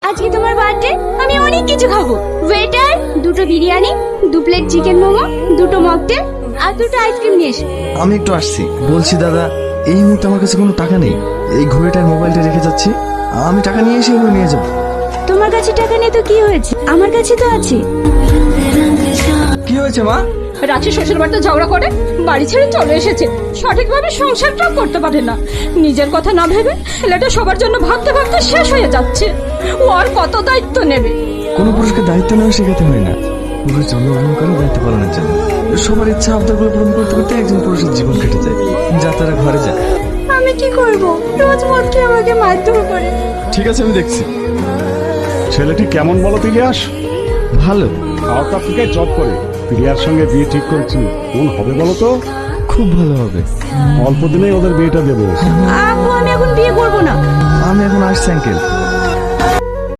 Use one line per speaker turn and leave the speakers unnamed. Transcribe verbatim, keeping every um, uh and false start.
আজকে তোমার বার্থডে, আমি অনেক কিছু খাবো। ওয়েটার, দুটো বিরিয়ানি, দু প্লেট চিকেন মোমো, দুটো মকটেল আর দুটো আইসক্রিম নিয়ে এসো।
আমি একটু আসছি। বলছি দাদা, এই মুহূর্তে আমার কাছে কোনো টাকা নেই। এই ঘড়িটার মোবাইলটা রেখে যাচ্ছি, আমি টাকা নিয়ে এসে এগুলো নিয়ে যাবো।
তোমার কাছে টাকা নেই তো কি হয়েছে, আমার কাছে তো আছে।
কি হয়েছে মা?
রাঁচি শ্বশুর বাড়িতে ঝগড়া করে বাড়ি ছেড়ে চলে এসেছে। সঠিকভাবে সংসারটাও করতে পারে না। নিজের কথা না ভেবে ছেলেটা সবার জন্য ভাবতে ভাবতে শেষ হয়ে যাচ্ছে। ও আর কত দায়িত্ব নেবে?
কোনো পুরুষকে দায়িত্ব নেওয়া শেখাতে হয় না, পুরুষ জন্মগ্রহণ করে দায়িত্ব পালনের জন্য। সবার ইচ্ছা আবদারগুলো পূরণ করতে করতে একজন পুরুষের জীবন কেটে যায়, যা তারা ঘরে যায়।
আমি কি করব, রোজ মদ খেয়ে আমাকে মারধর করে।
ঠিক আছে, আমি দেখছি।
ছেলেটি কেমন বলো তিলিয়াস?
ভালো,
সাউথ আফ্রিকায় জব করে। তিলিয়ার সঙ্গে বিয়ে ঠিক করেছি, কোন হবে বলো তো?
খুব ভালো হবে।
অল্প দিনেই ওদের বিয়েটা দেবো।
আব্বু, আমি এখন বিয়ে করব না।
আমি এখন আসছি আঙ্কেল।